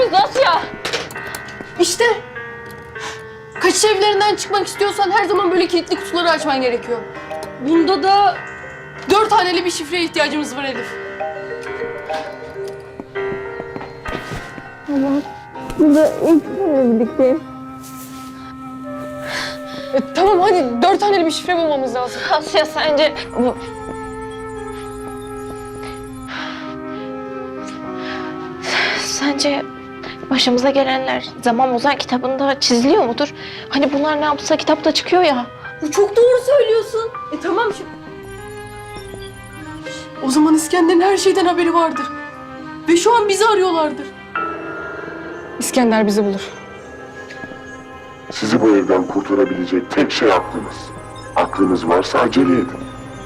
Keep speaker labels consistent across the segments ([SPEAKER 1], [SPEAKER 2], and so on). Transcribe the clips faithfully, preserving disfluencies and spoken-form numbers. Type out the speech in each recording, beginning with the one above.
[SPEAKER 1] yapıyoruz Asya?
[SPEAKER 2] İşte. Kaçış evlerinden çıkmak istiyorsan her zaman böyle kilitli kutuları açman gerekiyor. Bunda da dört haneli bir şifreye ihtiyacımız var Elif.
[SPEAKER 1] Ama burada ilk seninle birlikteyim.
[SPEAKER 2] E, tamam hadi dört haneli bir şifre bulmamız lazım.
[SPEAKER 1] Asya sence... bu- Sence başımıza gelenler Zaman Ozan kitabında çiziliyor mudur? Hani bunlar ne yapsa kitapta çıkıyor ya.
[SPEAKER 2] Bu çok doğru söylüyorsun. E tamam şu... O zaman İskender'in her şeyden haberi vardır. Ve şu an bizi arıyorlardır. İskender bizi bulur.
[SPEAKER 3] Sizi bu evden kurtarabilecek tek şey aklınız. Aklınız varsa acele edin.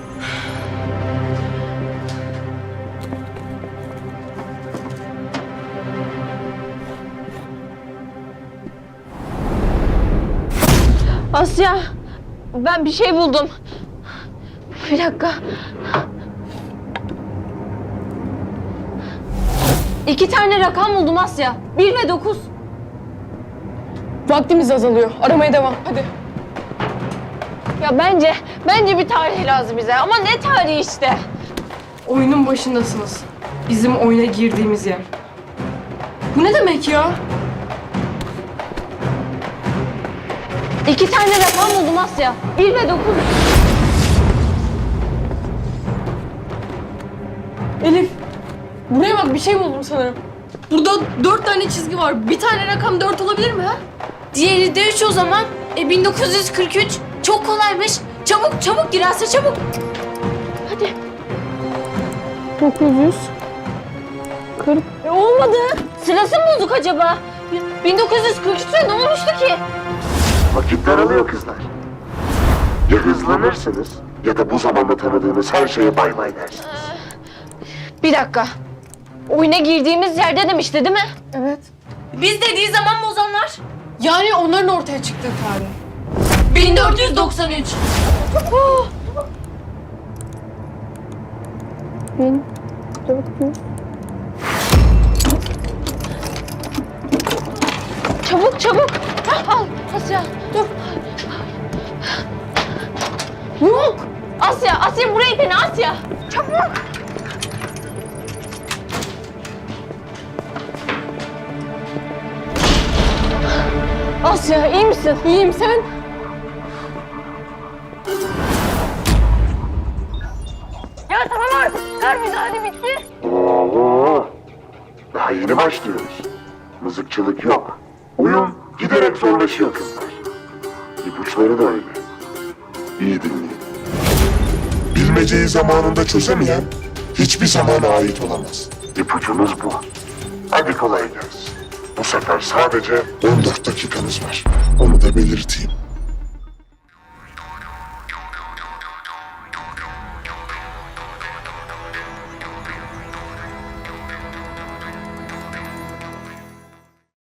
[SPEAKER 1] Asya, ben bir şey buldum. Bir dakika. İki tane rakam buldum Asya. Bir ve dokuz.
[SPEAKER 2] Vaktimiz azalıyor. Aramaya devam. Hadi.
[SPEAKER 1] Ya bence, bence bir tarih lazım bize. Ama ne tarihi işte?
[SPEAKER 2] Oyunun başındasınız. Bizim oyuna girdiğimiz yer. Bu ne demek ya?
[SPEAKER 1] İki tane rakam buldum Asya. Bir ve dokuz.
[SPEAKER 2] Elif, buraya bak bir şey buldum sanırım. Burada dört tane çizgi var. Bir tane rakam dört olabilir mi ha?
[SPEAKER 4] Diğeri de üç o zaman. E bin dokuz yüz kırk üç. Çok kolaymış. Çabuk çabuk gir Asya çabuk.
[SPEAKER 1] Hadi.
[SPEAKER 2] dokuz yüz. kırk.
[SPEAKER 1] E, olmadı. Sırası mı bozuk acaba? bin dokuz yüz kırk üçte ne olmuştu ki?
[SPEAKER 3] Vakit daralıyor kızlar. Ya hızlanırsınız ya da bu zamanda tanıdığınız her şeye bay bay dersiniz.
[SPEAKER 1] Bir dakika. Oyuna girdiğimiz yerde demişti değil mi?
[SPEAKER 2] Evet.
[SPEAKER 4] Biz dediği zaman bozanlar.
[SPEAKER 2] Yani onların ortaya çıktığı tarih.
[SPEAKER 4] bin dört yüz doksan üç.
[SPEAKER 2] bin dört yüz.
[SPEAKER 1] Çabuk çabuk. Hah, al Asya dur. Yok. Asya, Asya burayı dene Asya. Çabuk. Asya iyi misin?
[SPEAKER 2] İyiyim sen?
[SPEAKER 1] Ya tamam artık. Ver müdahale bitti.
[SPEAKER 3] Oo, daha yeni başlıyoruz. Mızıkçılık yok. Oyun giderek zorlaşıyor kızlar. İpuçları da öyle. İyi dinleyin. Bilmeceyi zamanında çözemeyen hiçbir zamana ait olamaz. İpucumuz bu. Hadi kolay gelsin. Bu sefer sadece on dört dakikanız var. Onu da belirteyim.